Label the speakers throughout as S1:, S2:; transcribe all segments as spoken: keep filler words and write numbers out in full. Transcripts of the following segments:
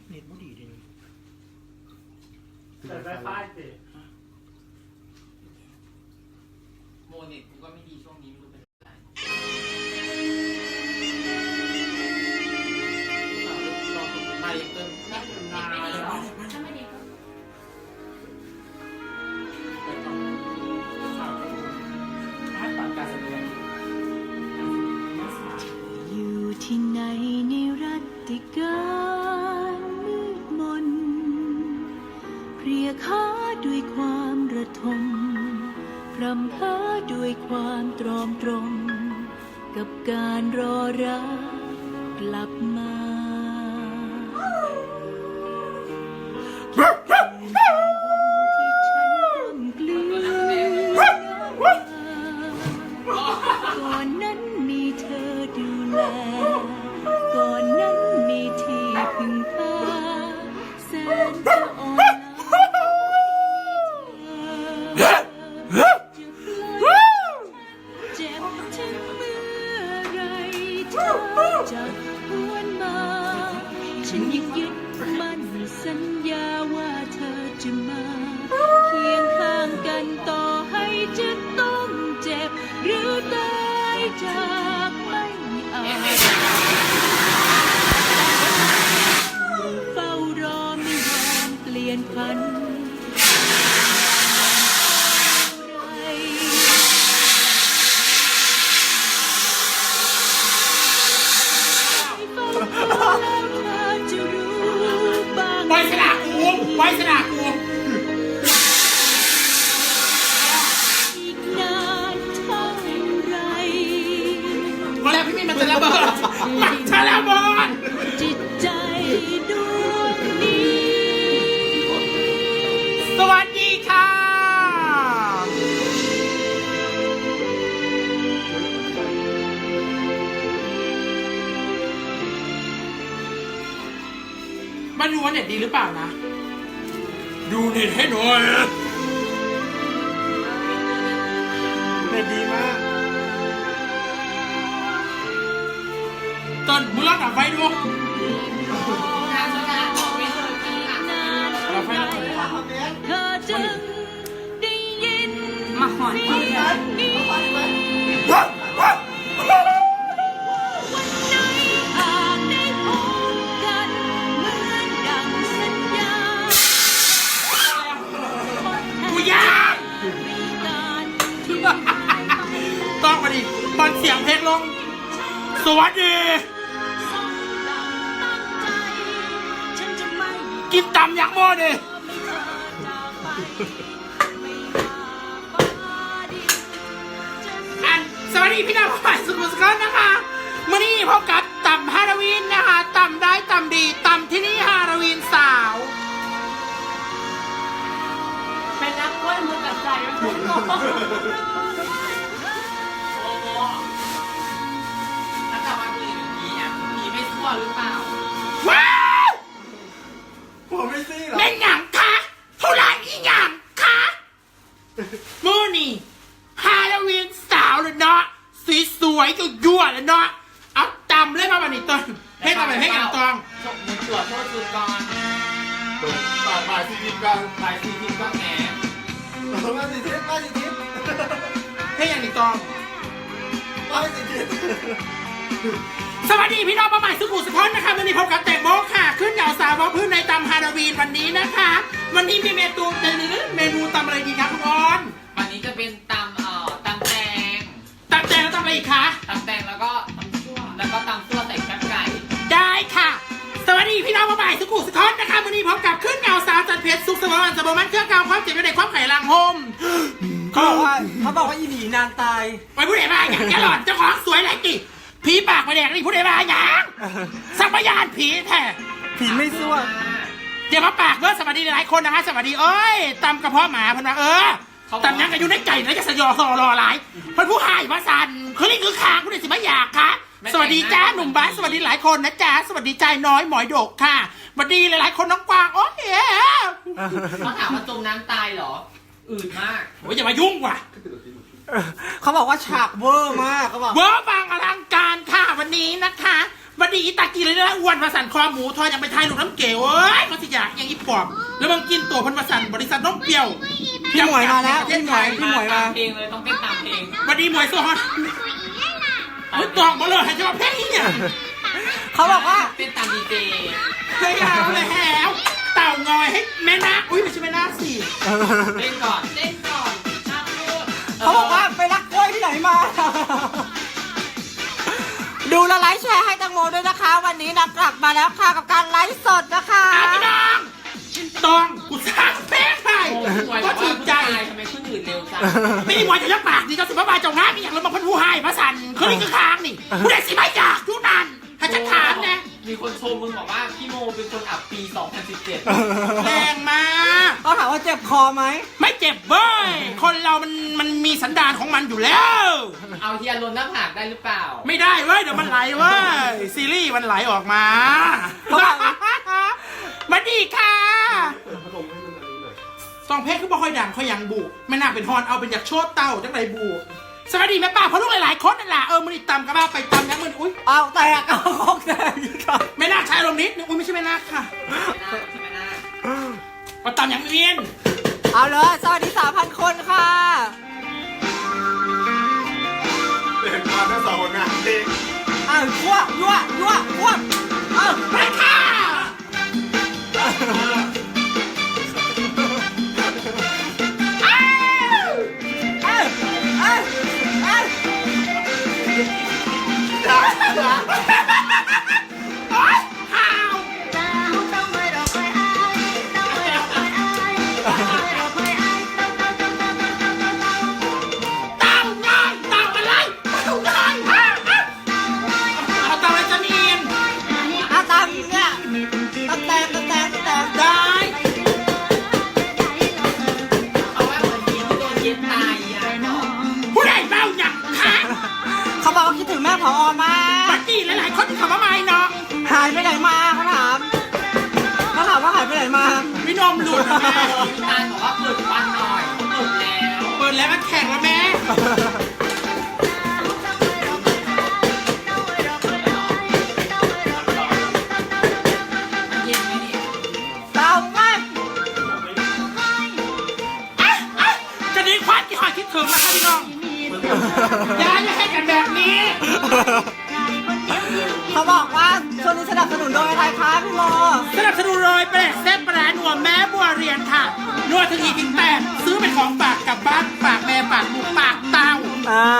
S1: เน็ตไม่ดีดิ
S2: แต่ไฟฟ้าสิ
S3: โมเน็ตกูก็ไม่ดีช่วงนี้ไม่รู้เป็นอะไรมาเกินนั่งนานเลยหรอถ้าไม่ดีก็ไปต่อถ้าตัดการแสดง
S4: อยู่ที่ไหนในรัตติการมืดมนเพรียค้าด้วยความระทมพรำเพ้อด้วยความตรอมตรมกับการรอรักกลับมาก่อนนั้นมีเธอดูแลก่อนนั้นมีที่พึ่งพาแสนจะอ่อนล้าจะปล่อยเจ็บถึงเมื่อไรเธอจะหวนมาฉันยังยึดมั่นสัญญาว่าเธอจะมาเคียงข้างกันต่อให้จะต้องเจ็บหรือตายจากไม่อาจเฝ้ารอไม่ยอมเปลี่ยนพัน
S1: ไว้สนากูไว้สนากู
S4: อีกนานเท่าไร
S1: มาแล้วพี่มีมันจะระเบิดมันจะระเบิด
S4: จิตใจดวงนี้
S1: สวัสดีค่ะมาดูว่าเน็ตดีหรือเปล่านะดูเน็ตให้หน่อยเน็ตดีมากต้นมึงลองดับไฟดูดับไฟแล้ว
S4: เธอจึงได้ยิน
S3: มาหอน
S4: เสียงนี้วันไหนอาจได้พบกันเหมือนดังสัญญา
S1: กูยาก
S4: การที่
S1: ต้องมาดิตอนเสียงเพลงลงสวัสดี
S4: สองดังตั้งใจ ฉันจะไม่
S1: กินตำอย่างโมดิ
S4: ไม่เธอจากไปไม่ว่าฟ้าดินจะ
S1: อันสวัสดีพี่น้องฝ่ายสุขุมสกุลนะคะมื่อนี้พบกับตำฮาโลวีนนะคะตำได้ตำดีตำที่นี่ฮาโลวีนสาว
S3: เป็นนักกล้วยมือกับใจแล้วคุณโมโอ้โหแล้วกลับมาคุยกับผีอ่ะผีไม่ชั่วหรือเปล่า
S1: ว้าว
S2: ผมไม่ซี่หรอ
S1: เล่นหยังคะเท่าไหร่อีหยังคะมื่อนี้ฮาโลวีนสาวเลยเนาะสวยๆก็ยั่วเลยเนาะเอาตำเลยมาบันนี้ต้นให้มาแบบให้กันตอง
S3: จบมือตรวจโทษจุดก่อน
S2: บ่ายบ่ายสี่ทีมกัน
S3: บ่ายสี่ทีก็แหน
S2: มาสี่ทีมมาสี่ทีม
S1: ให้อย่างนี้ตอง
S2: มาสี่ทีม
S1: สวัสดีพี่น้องป้าใหม่สุขุมสุขนนะคะวันนี้พบกับแตงโมค่ะ ขึ้นเหล่าสาวว่าพื้นในตำฮาโลวีนวันนี้นะคะ วันนี้มีเมนูเมนูตำอะไรดีคะคุณออน
S3: วันนี้จะเป็นตำเอ่อตำแตง
S1: ตำแตงแล้วตำอะไรอีกคะ
S3: ตำแตงแล้วก็ตำชั่วแล้วก็ตำซั่วใส่แคบไก่
S1: ได้ค่ะ สวัสดีพี่น้องป้าใหม่สุขุมสุขนนะคะวันนี้พบกับขึ้นเหล่าสาวจันเพชรสุขสมบัติสมบัติเครื่องกาวความเจ็บในความไข่ลังโฮม
S5: เขาบอกว่าเขาบอกว่าอีหลีนางตาย
S1: ไปผู้ใดมาอย่างแกหล่อนเจ้าของสวยไรกี่ผีปากมาแดงนี่ผู้ใดมาอย่างสัมปยานผีแท้
S5: ผีไม่ซั่ว
S1: เดี๋ยวมาปากเด้อสวัสดีหลายคนนะคะสวัสดีเอ้ยตำกระเพาะหมาเพิ่นว่าเออตำยังกันอยู่ในไก่แล้วจะสยอซอรอหลายเพิ่นผู้หายว่าสันคือนี่คือขางผู้ใดสิมาอยากคะสวัสดีจ้าหนุ่มบ้านสวัสดีหลายคนนะจ๊ะสวัสดีใจน้อยหมอยดกค่ะสวัสดีหลายๆคนน้องกวางโอ้ย
S3: เขาถามว่าจมน้ำตายเหรอ อืดมาก
S1: โอ้ยอย่ามายุ่งว่ะ
S5: เขาบอกว่าฉากเวอร์มากเขาบอก
S1: เวอร์บางอลังการค่ะวันนี้นะคะวันดีอีตากีเลยนะอ้วนมาสั่นคอหมูทอดยังไปทายลูกน้ำเก๋เว้ยก็สิอยากยังอีปอบแล้วมึงกินตัวพันมาสั่นบริษัทน้องเปรี้ยว
S5: พี่หมวยมาแล้ว
S1: ประเท
S5: พี่
S1: ศ
S5: หม
S1: ไท
S5: วย
S1: ย
S5: พี่หมวยมา
S3: เพลงเลยต้องเต้นตามเพลง
S1: วันดีหมวยโซฮอนไม่ตองมาเลยให้จะมาเพลงนี้เนี่ย
S5: เขาบอกว่า
S3: เต้นตามดีเจ
S1: เฮ้ยเอาเลยแหวเต่างอยให้แม่นาอุ้ยไม่ใช่แม่นาสิ
S3: เต้นก่อนเต้นก่อนช่างพูด
S5: เขาบอกว่าไปรักกล้วยที่ไหนมา ดูและไลค์แชร์ให้ตังโมด้วยนะคะ วันนี้นักกลับมาแล้วค่ะกับการไลฟ์สดนะคะ
S1: อาพี่น้องตองกูสร้างเพลงให้
S3: โอ้ยหวยบ
S1: ก็
S3: อก
S1: ถู
S3: ว่าก ผู้
S1: ใจ
S3: ชายทำไมขึ้นอื่นเร็วจัง
S1: ไม่หมวยจะยักปากดีเจ้าสิบ้าบาเจ้างานมีอย่างเรามาพันผู้ให้พระสันเขานี่คือค้างนี่ผู้ใดสิไม่อยากทุกนันถ้าจะถามนะ
S3: มีคนชมมึงบอกว่าพี่โมเป็นคนอับปีสองพันสิบเจ็ด
S1: แรงมาก
S5: เขาถามว่าเจ็บคอไหม
S1: ไม่เจ็บเว้ยคนเรามันมันมีสันดานของมันอยู่แล้ว
S3: เอาเทียนลนหน้าผากได้หรือเปล่า
S1: ไม่ได้เว้ยเดี๋ยวมันไหลเว้ยซีรีส์มันไหลออกมา
S5: เขาบอก
S1: มาดีค่ะ
S2: พัดลมให้มันอันนี้หน่อย
S1: สองเพลงคือบ่ค่อยดังค่อยยังบุไม่น่าเป็นฮอนเอาเป็นอยากโชดเต้าจังไรบุสวัสดีแม่ป้าเพราะลูกหลายๆคนนั่นแหละเออมันอีตำกับบ้าไปตำยังมันอุ้ย
S5: เอาแตกเอาคอกแตกอีกครับ
S1: ไม่น่าใช้อารมณ์นิดนึงอุ้ยไม่ใช่ไม่น่าค่ะ
S3: ไม่น่าใช่ไหมน่า
S1: มาตำอย่างเรียน
S5: เอาเลยสวัสดีสามพันคนค่ะ
S2: เห็นมาทั้งสองคนนะเพลง
S5: อ้าวยั่วยั่วยั่วยั่วเอา
S1: ไปค่ะ
S5: เอ้ยเอ้ยเอ้ย
S1: โอ๊ยข่าว เต่าง่ายเต่าอะไรเต่าง่ายอ่ะอ่ะเอาเต่าอะไรจะมีน
S5: เอาตามเนี่ยตะแตงตะแตงตะแตง
S1: ได้
S3: เอาว่าเหมือนผีที่โดนเย็นตายอ่ะ
S1: ผู้ใดเบ้าอย่างคะ
S5: เขาบอกว่าคิดถึงแม่ผอมาก
S1: บัดดี้หลายๆคนที่เขามาไม่เนาะ
S5: หายไปไหนมาเขาถามเขาถามว่าหายไปไหนมา
S1: พี่นมหลุดนะแม่
S3: พี่ตาลบอกว่าเปิดควันหน่อยเขาเปิดแล้ว
S1: เปิดแล้วก็แข่งแล้วแม่
S3: มันเย็นไหมนี่
S5: เต่ามาก
S1: อ่ะอ่ะจะดีควันที่หอยคิดถึงนะคะพี่น้องอย่าอย่าให้กันแบบนี้
S5: เขาบอกว่าช่วงนี้สนับสนุนโดยอะไรคะพี่โม
S1: สนับสนุนโดยแปลกเส้นปลาหนัวแม่บัวเรียนค่ะนวดถึงอีกถึงแปดซื้อเป็นของฝากกลับบ้านฝากแม่ฝากลูกฝากเต้า
S5: อ่า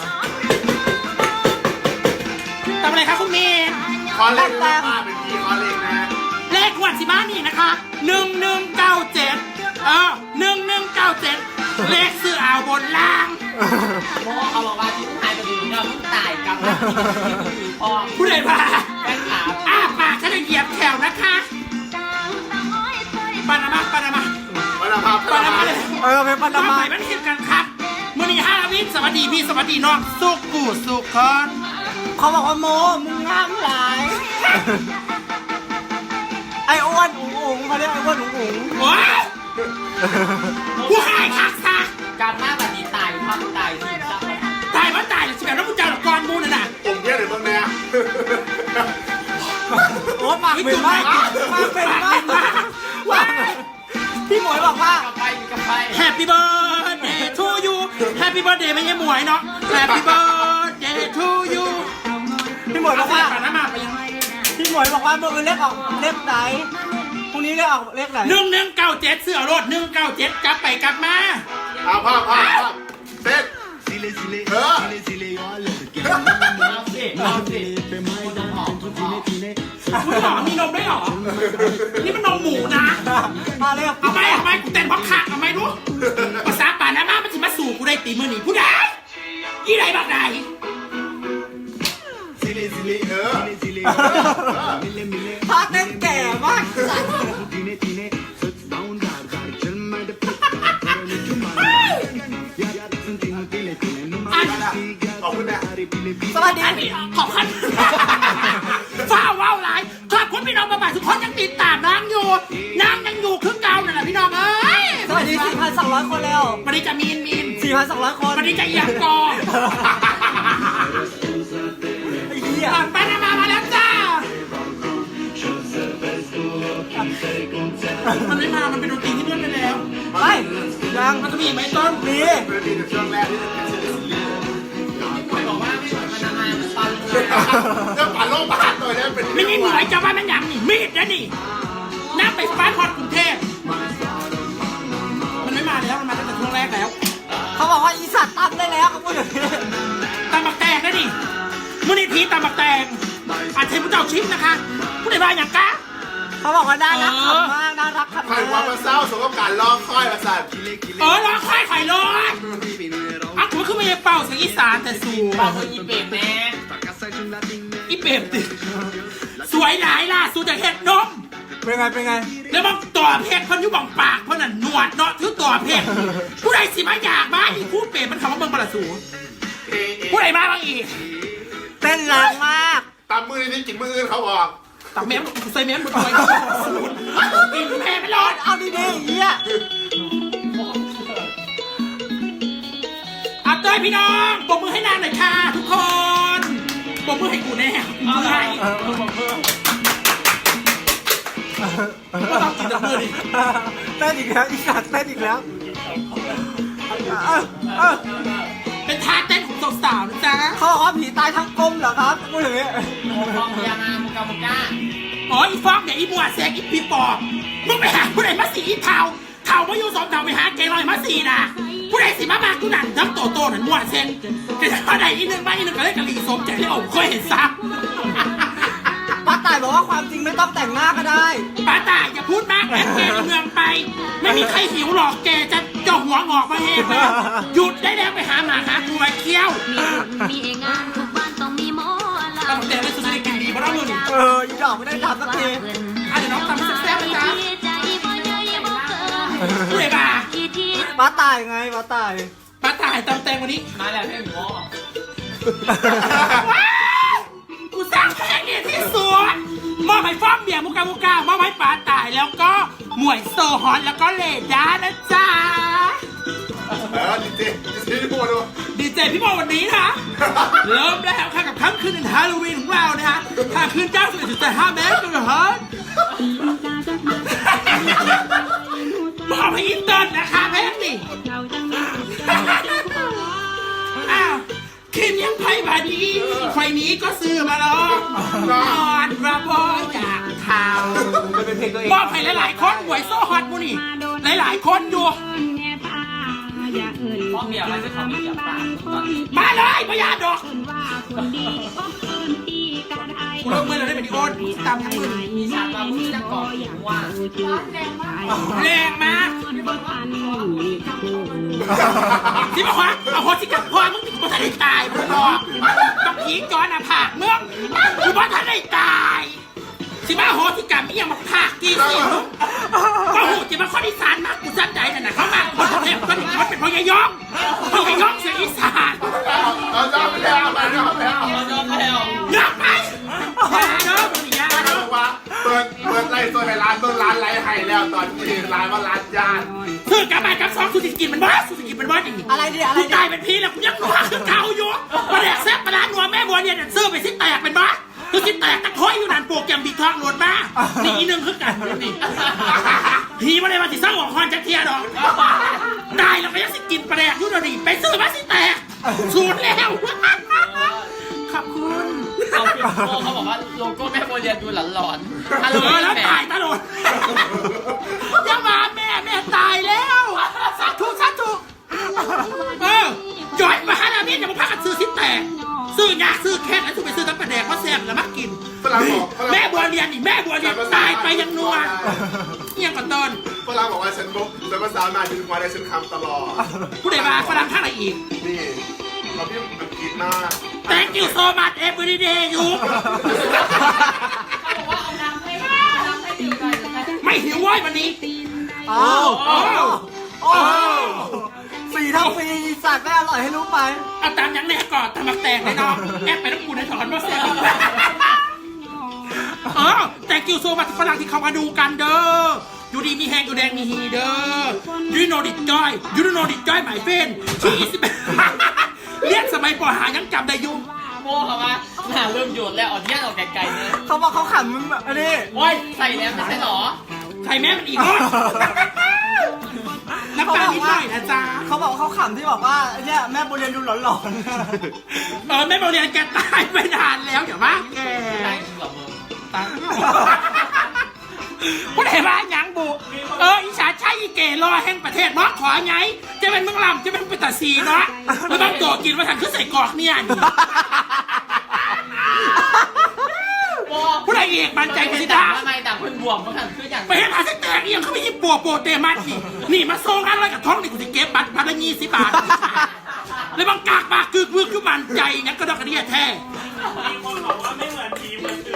S1: ทำอะไรคะคุณเมย์
S2: คอเล็กนะป้าเป็นพีคอเล็กนะ
S1: เลขขวัญสิบ้านนี่นะคะหนึ่งหนึ่งเก้าเจ็ดเออหนึ่งหนึ่งเก้าเจ็ดเลขซื้อเอาบนล่าง
S3: โมเขาบอกว่าที่ผู้ชายจะดูเราต้องตายกับที่คือพ่อ
S1: ผู้ใดพา
S3: แฟนขา
S1: อ้าปากฉันจะเหยียบแถวนะคะปานามาปานามา
S2: มาละครับ
S1: ปานามาเลย
S5: เออเป็นป
S1: มา
S5: นามา
S1: ใหม่มันเห็นกันครับมือนี้ห้าวิสวัสดีพี่สวัสดีน้องสุกูสุขอน
S5: เขาบอกว่าโมมึงงามหลาย ไอ้อ้วนอุ๋งอุ๋งเขาเรียกไอ้อ้วนอุ๋งอุ๋ง
S1: โอ้ยผู้หายคักซะ
S3: การมาแบบนี้ตายความตายทีมซับ
S1: ตายว่าตายหรือสิแบบน้องกูเจ้าหลักกรมูน่ะน่ะ
S2: ผมเพี้ยนหรือตรงเนี้ย
S5: โอ้ปากเป็นมากปากเป็นมากว้าวพี่หมวยบอกว่า
S3: กับไปกับไป
S1: Happy birthday to you Happy birthday ไม่ใช่หมวยเนาะ Happy birthday to you
S5: พี่หมวยบอกว่า
S1: ปานามาไปยัง
S5: พี่หมวยบอกว่าเมื่อคืนเลขออกเลขไหนพรุ่งนี้เลขออกเลขไหน
S1: หนึ่งหนึ่งเก้าเจ็ดเสื้อรถหนึ่งเก้าเจ็ดกลับไปกลับมา
S2: เอาภาพภาพภาพเซ็ตเออ
S3: เอาสิเอาสิคุณต้องหอมคุณหอม
S1: คุณหมอมีนมด้วยเหรอ นี่มันนมหมูนะ
S5: มาเร็ว
S1: เอาไหมเอาไหมกูเต้นเพราะขาเอาไหมรู้ภาษาป่านามามันจะมาสู่กูได้ตีมือหนีผู้ใดยี่ไรบักใด
S2: ซิลิซิลิเออ
S5: พาเต้นแก่มาก
S1: อัน
S2: ขอบคุณนะ
S5: สวัสดี
S1: อันนี้ขอบคุณฟ้าว้าวหลายขอบคุณพี่น้องมาบ่ายทุกคนยังติดตามนางอยู่นางยังอยู่ครึ่งเก่านั่นแหละพี่น้องเอ้ย
S5: สวัสดี สี่พันสองร้อย คนแล้ว
S1: วันนี้จะมีนมีน
S5: สี่พันสองร้อย คน
S1: วันนี้จะเอียงกอ
S5: ไอ้เหี้ย
S1: ก่อนไปนามามาแล้วจ้ามันไม่มา มันเป็นดนตรีที่เลื่อนไปแล้ว
S5: ไม่ยัง
S1: มันจะมีอีกไหมต้น
S5: มี
S2: เป็นดีในช่วงแรกที่จะเป็นเซเลซี
S3: พี่ป่วยบอกว่าไม่เหมือนมันนานๆมันปันเลย
S2: เรื่องปั่นโลกบ้านตัวนี้เป็น
S1: ไม่มีหน่วยจะว่ามันหยังนี่มีดนะนี่น้ำไปฟ้าทอดกรุงเทพมันไม่มาแล้ว มันมาตั้งแต่ช่วงแรกแล้ว
S5: เขาบอกว่าอีสัตว์ตั้งได้แล้วเขาพูดอย่างนี้
S1: ตำบักแตงนะนี่มูลนิธิตำบักแตงอาจจะผู้เจ้าชิปนะคะผู้ใดบ้าอย่างกะ
S5: เขาบอกว่าน่ารักขำมากน่ารักขำ
S2: ใคร
S5: มาก
S2: ว่ามาเศร้าสมกับการล่อค่อยมาสั่น
S1: เออรอค่อยไข่ร้อนอ่ะผมขึ้นมาเป่าเสียงอีสานแต่สูง
S3: บอกว่าอีเปรตแน่
S1: อีเปรมติสวยหลายล่ะสูจากเห็ดนม
S5: เป็นไงเป็นไง
S1: แล้วมันต่อเพชรคนอยู่บังปากเพราะนั่นหนวดเนาะถือต่อเพชรผู้ใดสิมาอยากมาอีกผู้เปรตมันคำว่าเบิ่งบลาสูผู้ใดมาบ้างอีก
S5: เต้นแรงมาก
S2: ตามมือนี้กินมืออื่นเขาบอก
S1: ตักแม่ใส่แม่หมดเลยกินแม่ไม่รอด
S5: เอาดีๆเฮีย
S1: อัพเตอร์พี่น้องปรบมือให้นางหน่อยค่ะทุกคนปรบมือให้กูแน่กูมือให้ก็ต้องกินแต่มือดิ
S5: เต้นอีกแล้วอีสัตว์เต้นอีกแล้วเออเออ
S1: เป็นท่าเต้นของสาวๆนะจ๊ะ
S5: เขาบอกว่าผีตายทั้งกลมเหรอครับพูดอย่างนี้
S3: มองพยานามุกามุก้า
S1: อ๋ออีฟอกเนี่ยอีบัวแซกอีปีปอบมึงไปหาผู้ใดมาสีอีเทาเทามาอยู่สองเทาไปหาเกลอยมาสีน่ะผู้ใดสิมามากูนั่นทั้งโตโตนั่นมัวเซนแต่ถ้าใดอีนึงมาอีนึงก็เลยกะหรี่สมใจที่โอ้เคยเห็นซัก
S5: ป้าต่ายบอกว่าความจริงไม่ต้องแต่งหน้าก็ได้
S1: ป้าตายอย่าพูดมากแอบแกในเมืองไป ไม่มีใครหิวหรอกแกจะเจาะหัวงอกมาเองนะหยุดได้แล้วไปหาหมาหาตัวมาเคี้ยว
S4: มีงานทุกบ้านต้องมีหมอลำ
S1: ตำแต่ไม่สุดจะกินดีเพราะเราเงิน
S5: เอออีดอกไม่ได้ทำสักที
S1: อ่ะเดี๋ยวน้องตำแซ่บๆนะจ๊ะ
S4: ใจบ่ใหญ่บ่เกิน
S1: ผู้ใดมา
S4: ที่ที่
S5: ป้าต่ายไงป้าต่าย
S1: ป้าตายตำแตงวันนี้
S3: มาแล้วให้หมู
S1: ว้าวกูสร้างเพลงเนี่ยที่สุดมอบให้ฟ้อมเบียร์มุกามุกามอบให้ป้าตายแล้วก็หมวยโซฮอนแล้วก็เลด้านะจ๊ะ
S2: เออดีเจดีเจที่พูดดู
S1: ดีเจพี่บอลวันนี้นะเริ่มแล้วค่ะกับค่ำคืนในฮาโลวีนของเรานะฮะค่ำคืนเจ้าสิบเอ็ดจุดแปดห้าเมตรกันเหรอฮะมอบให้อินเตอร์นะคะแม่นี่อ้าวคิมยังไพ่บาดีไฟนี้ก็ซื้อมาแล้วนอนระบอยจากข่าว
S5: มันเป็นเพลงตัวเอง
S1: มอบให้หลายๆคนหวยโซ่ฮอตมูนี่หลายๆคนอยู่
S3: มองเบียร์อะไรจะเขาไม่เบียร์ปากตอนนี้
S1: มาเลยพยาดอกกูเลิกมือเราได้เป็นดิโอนตามทั้งมือ
S3: มีฉากมาพูดจะก่อหิวว่า
S1: แรงมากที่บอกว่าเอาโฮสิกับพ่อมึงถึงบ่ทันได้ตายมึงบอกต้องผีจอนอ่ะผากมึงกูบ่ทันได้ตายสิมาโฮสิกับมีอย่างมาผากกี่สิก็หูจิมาข้ออีสานมากกูจัดใจนั่นน่ะเขามาคนเทพก็มันเป็นพญายองพญายองเสียงอีสาน
S2: เอาจอไปแล้วไปแล้วไปแล้ว
S3: เราจะแล้ว
S1: ยกไปยาเด้อมึงยา
S2: เขา
S1: เด้
S2: บ
S1: อ
S2: อกว่าเปิดเปิดไล่ตัวให้ร้านต้นร้านไรให้แล้วตอนนี้ร้านว่าร้านยาน
S1: คือกลับมากับซองสุสิกินมันว่าสุสิกินมันว่าอย่างนี้
S5: อะไรดิอะไร
S1: กู
S5: ดิ
S1: ตายเป็นพี่แล้วกูยังหนัวคือเก่าอยู่ประเด็กแซ่บประดานหนัวแม่บัวเนี่ยเสื้อไปสิแตกเป็นบ้าคือสิแตกตะค้อยอยู่นั่นโปรแกรมบิ๊กทองโหลดมานี่อีนึงคือกันนี่พี่ไม่ได้มาสิสร้างหัวคอนจักเทียดอกตายแล้วก็ยังสิกินประเด็กอยู่เดี๋ยวนี้ไปซื้อมาสิแตกสูตรแล้วขอบคุณ
S3: เขาเขาบอกว่าโลโก้แม่โบเรียนดูหลอนหลอนฮัล
S1: เอ
S3: โหล
S1: อแล้ว
S3: แม่
S1: ตายตลอดยังมาแม่แม่ตายแล้วสาธุสาธุเออย้อยมาหาลาเมียนอย่ามาพักกันซื้อสิแตกซื้อยาซื้อแค่นั้นถูกไปซื้อตั้งประแดกเพราะแซ่บแล้วมากินแม่บัวเรียนนี่แม่บัวเรียนตายไปยังนัวเงี้ยก่อนต้น
S2: ฝรั่งบอกว่าฉันบอกฉันภาษามาฉันว่าได้ฉันคำตลอด
S1: ผู้ใดมาฝรั่งท่าไหนอีก
S2: นี่เขาพี่อังกฤษมาก
S1: Thank you so much every day อยู่
S3: เขาบอกว่าเอาน้ำให้น้ำให้ดื่มหน่อย
S1: ไม่หิวเว้ยวันนี้
S5: โอ้โอ้โอ้สี่ทั้งปีอีสัตว์ไม่อร่อยให้รู้ไป
S1: เอาตามยังแน่ก่อนตามมาแตกเลยน้องแอบไปต้องกูในถอนว่าแซ่บเออ Thank you so much ฝรั่งที่เขามาดูกันเด้ออยู่ดีมีแหงอยู่แดงมีฮีเด้อ You know this joy You don't know this joy my friend ที่สิบเรียกสมัยปอหายังจำได้ยุ่ง
S3: โม่เขาว่าหน้าเริ่มหยุดแล้วอ่อนแยกออกไกลๆเนี่ย
S5: เขาบอกเขาขำอันนี้
S3: โอ้ยใส่แล้วไม่ใช่หรอ
S1: ใครแม่มันอีกรอบน้ำตานิดหน่อยนะจ๊ะ
S5: เขาบอกเขาขำที่บอกว่าเนี่ยแม่บุญเรียนดูหลอน
S1: เออแม่โมเรียนแกตายไปนานแล้วเดี๋ยวว่าแก
S3: ตายจริงเหรอมึง
S1: ตายพูดเห็นว่ายังบุเอออีสานใช่อีเกรอแห่งประเทศเนาะขอไงจะเป็นเมืองลำจะเป็นเป็นตาซีเนาะแล้วต้องตัวกินมาทางขึ้นใส่กรอกเนี่ยนี่ผู้ใดเอกมันใจกันสิ
S3: ด่า
S1: ดา
S3: ทำไมด่าคนบวมเพราะฉันคืออย่าง
S1: ไปให้พาสแตกเอียงเขาไปยิบปัวโปเตมัสนี่นี่มาโซ่งอะไรกับท้องนี่กูจะเก็บบัตรพันละยี่สิบบาทเลยบังกากปากกึกมึกคือมันใจงั้นก็ดอกกระเดียแท้มีคนบอกว่าไม่เหมือนทีมันคือ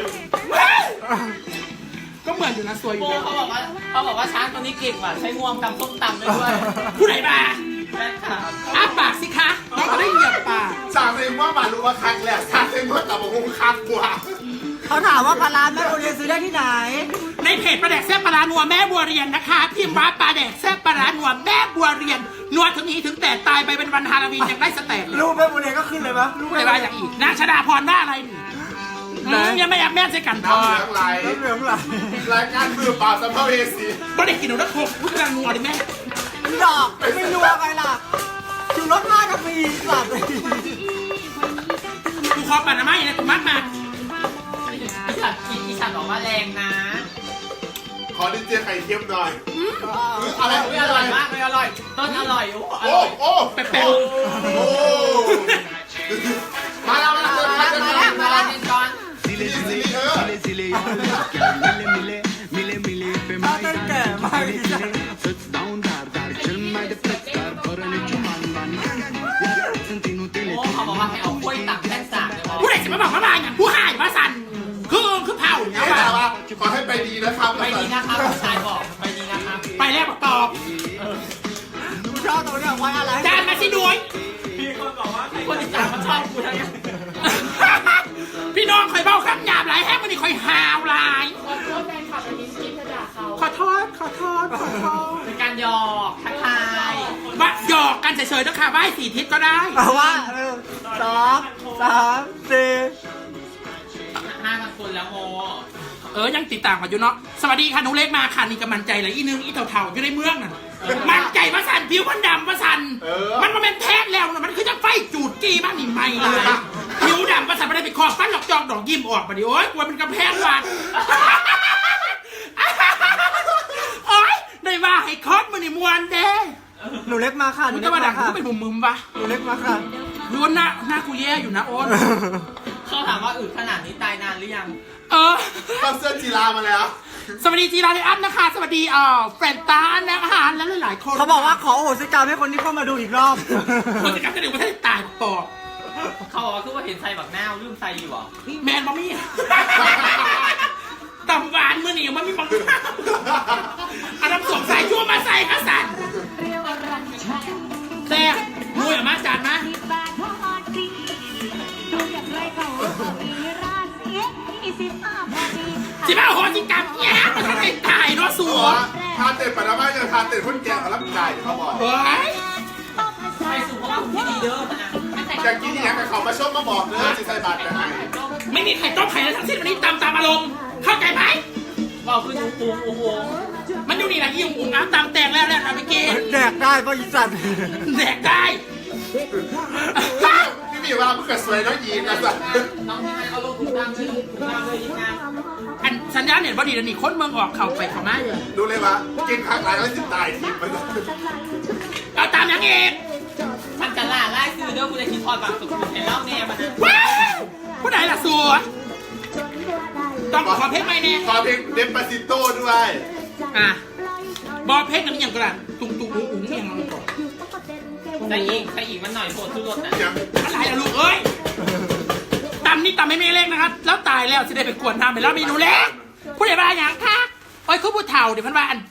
S1: ก็เหมือนอยู่นะสวยอยู่
S3: โบ
S1: นะ
S3: เขาบอกว่าเขาบอกว่าช้างตัวนี้เก่งว่ะใช้งวงตำส้มตำได้ด้วย
S1: ผู้ใดมา
S3: แม่ค่ะ
S1: อ้าปากสิคะน้องก็ได้เหยียบปาก
S2: สามเองว่ามารู้ว่าคักแหละสามเองว่ากับผมคักกว่า
S5: ๆเขาถามว่าปลาร้าแม่บุญเรียนซื้อได้ที่ไหน
S1: ในเพจปลาแดกแซ่บปลาร้านัวแม่บัวเรียนนะคะพิมพ์ว่าปลาแดกแซ่บปลาร้านัวแม่บัวเรียนนัวถึงนี้ถึงแต่ตายไปเป็นวันฮาโลวีนยังได้สเต็ปเลย
S5: รูปแม่บุญเรียนก็ขึ้นเลยปะรูป
S1: ผู้ใดมาอย่างอีกนางชดาพรว่าอะไรนี่อืมยังไม่อยากแม่นใส่กันพอ
S2: น้ำเหลืองไหล
S5: เหลืองไหล
S2: รายการมือเปล่าสัมภเวสี
S1: บ่ได้กินหนูนะโคกผู้กำลังนัวดิแม่
S5: ดอกไม่นัวไปล่ะชูรสห้านาทีหลับเลย
S1: กูขอปั่นน้ำไม้นะกูมัดมา
S3: อีฉันอีฉันบอกว่าแรงนะ
S2: ขอดิเจไข่เค็มหน่อยอะไร
S3: อุ๊ยอร่อยมากเลยอร่อยต้นอร่อยโอ้อ
S2: โอ้
S3: ร่อย
S2: โอ้
S1: แป๊ะ
S2: โอ้มาแล้วมาแล้วมาแล้ว
S3: มา
S2: มา
S3: แล้
S2: แล้ว ว
S3: มาแล้วเจนจอน
S5: ถ้าเต้นแก่มากที่สุด
S3: โอ้เขาบอกว่าให้เอากล้วยตักแท่นสากเลย
S1: ๆผู้ใดจะมาบอกว่ามาอย่างผู้หายมาสั่นคือคือเผาเนี่ย
S2: นี่แหละ
S1: ว่ะ
S2: ว่าขอให้ไปดีนะครับ
S3: ไปดีนะครับผู้ชายบอกไปดีนะครับ
S1: ไปแล้วบอกตอบ
S5: กูชอบตรงเนี้ยไว้อะไร
S1: จานมาสิด้วย
S3: คนอีสานเขาชอบกูทั้งนั้น
S1: พี่น้องคอยเบ้าคำหยาบหลายแฮมมันนี่คอยหาวหลายขอโทษขอโทษขอโทษ
S3: เป็นการหยอกทักทาย
S1: ว่าหยอกกันเฉยๆนะคะไหว้สี่ทิศก็ได้
S5: เอาว่าหนึ่งสองสามสี่
S3: ห้าพันคนแล้วโม
S1: เออยังติดตามกันอยู่เนาะสวัสดีค่ะหนูเล็กมาค่ะนี่ก็มันใจเลยอีนึงอีเถ่าๆอยู่ในเมืองน่ะมันใจว่าสันผิวมันดำว่าสันมันมันเป็นแท้แล้วนะมันคือจะไฟจูดจี้บ้างนี่ไม่เลยผิวดำว่าสันไม่ได้ไปคอฟันหลอกจองดอกยิ้มออกมาดิโอ๊ยกลัวเป็นกำแพงวัดโอ๊ยได้ว่าให้คอสมันนี่มวนเด้
S5: หนูเล็กมาค่ะห
S1: มึ
S5: นู
S1: ง
S5: เล็
S1: จะ
S5: ก
S1: มาดั
S5: มาง ค่ะ
S1: กูเป็นมุมมึมปะ
S5: หนูเล็กมาค่ะ
S1: ดูหน้าหน้ากูแย่อยู่นะโอ๊ต
S3: เขาถามว่าอึดขนาดนี้ตายนานหรือยัง
S1: เออ
S2: ต้องเสื้อจีรามาแล้ว
S1: สวัสดีจีราเลอัพนะคะ สวัสดีเอ่อแฟนตานะคะและหลายๆคน
S5: เขาบอกว่าขอโอโหสิกรรมให้คนที่เข้ามาดูอีกรอบ
S1: คนจะกลับจะเดี๋ยวประเทศตายปอบ
S3: เขาบอกว่าคือว่าเห็นไซบักหน้าลืมไซอยู่หรอ
S1: แมนบอมี่ตำหวานมือหนีมันมีบังอันน้ำสงสัยชั่วมาใส่กระสันแซ่บมวยออกมาจานมาสิบ้าหอจิกรรมเนี่ยมันต้องเป็นตายเนาะสัว
S2: ทานเต็ดปะนะไม่จะทานเต็ดพุ่นแกงกับรับไก่เขาบอก
S1: เฮ้ย
S3: ไปสู่เพราะว่าที่ดีเด้อนะ
S2: อยากกินอย่างกับเขามาชมมาบอกเลยจิตใจบาดไปให้
S1: ไม่มีใครต้มไข่แล้วทั้งสิ้นวันนี้ตามตามอารมณ์เข้าใจไหม
S3: บอกคือถูกปูโอ้โห
S1: มันอยู่นี่แหละยี่อุ้งน้ำตามแตงแล้วแล้วเอาไปกิน
S5: แดกได้เพราะอีสัตว์
S1: แดกได้
S2: พี่มีว่าเพื่อสวยน้องยีนนะสัตว์
S3: น้องที่ให้เอาลงถุงดำเลยถุงดำเลยดีงาม
S1: อันสัญญาณเนี่ยบอดีเดี๋ยวนี้คนเมืองออกเข่าไปเขามาเลย
S2: ดูเลยว่ากินครั้งหลายแล้วจิตตายทีมัน
S1: เอาตามยังเอก
S3: มันจะล่าไล่ซื้อเด้อกูจะคิดพอดบักสุดเห็นเล่าแน่มันนะ
S1: ว้าวผู้ใดล่ะสัวต้องขอเพลงไหมเนี่ย
S2: ขอเพลงเดมปาซิโต้ด้วย
S1: อ่ะบอเพลงนั้นอย่างกระดตุ้งตุ้งอุ้งอุ้งอย่างนั้นก่อน
S3: ใส่อีกใส่อีกมันหน่อยโผล่ทุรสนะ
S2: อย่าง
S1: อะไรล่ะลูกเอ้ยตำนี่ตำไม่ไม่เล็กนะครับ แล้วตายแล้วจะได้ไปกวนทำไปแล้วเมนูเล็กผู้ใดบ้าอย่างคะโอ้ยคือผู้เฒ่าเดี๋ยวพันว่าอัน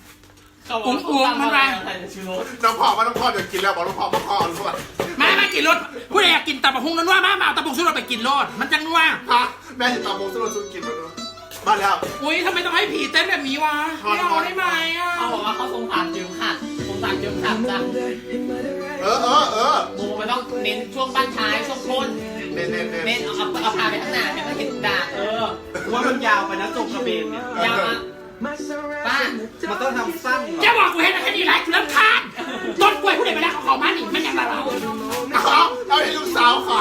S2: น้องพ่อว่าน้องพ่อจะกินแล้วบอกน้องพ่อพ่อพ่อรู้ป่ะ
S1: มามากินรถผู้ใดอยากกินตับกหุ่งนัวมามาเอาตับกหุ่งสุรสไปกินรถมันจังนัว
S2: ฮะแม่จะตามโมงสโลซุนกินมาด้วยมาแล้ว
S1: อุ้ยทำไมต้องให้ผีเต้นแบบนี้วะไม่เอาได้ไหมอ่ะ
S3: เขาบอกว่าเขาสงสารเจิมขาดสงสารเจิมขาดจ้ะ
S2: เออเออเออ
S3: โมมันต้องเน้นช่วงบ้านท้ายช่วงต้น
S2: เน้นเน้นเน้น
S3: เน้นเอาเอาพาไปข้างหน้าให้มันเห็นดาเออ
S5: ว่ามันยาวไปนะตรงกระเบนเนี่ย
S3: ยาวอ่ะป้า
S5: มันต้องทำสั้นเหรอ
S1: จะบอกกูเห็นแค่นี้ไรกูเริ่มคานต้นกล้วยผู้ใดไปแล้วเขาเขามาหนิมันยังไรเรา
S2: เอาเอาให้ลูกสาวก่อน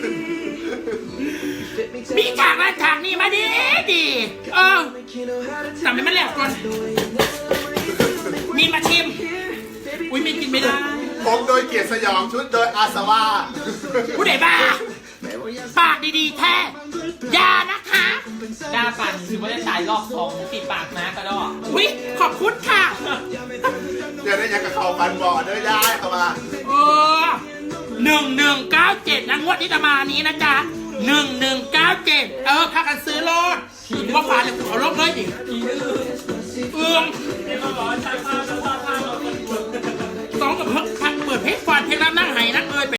S1: มีฉากนั้นฉากนี้มาดีดีเออทำให้มันแหลกก่อนมีมาชิมอุ้ยมีกินไม่ได้
S2: ผมโดยเกียรติสยองชุดโดยอาสวา
S1: ผู้ใดบ้าปากดีๆแท้ยานะคะ
S3: หน้าปั่นคือไม่ได้สายรอบสองติดปากนะกระดอก
S1: วิขอบคุณค่ะ
S2: เดี๋ยวได้ยังกับเขาฟันบ่อเด้อย้ายเข้ามา
S1: เออหนึ่งหนึ่งเก้าเจ็ดนะงวดที่จะมานี้นะจ๊ะหนึ่งหนึ่งเก้าเจ็ดเออพากันซื้อรถว่าผ่านเลยเอาลบเลยดิเอื้องสองกับเพิ่งเปิดเพลงฟันเพลงน้ำนั่งไห้นั่งเอย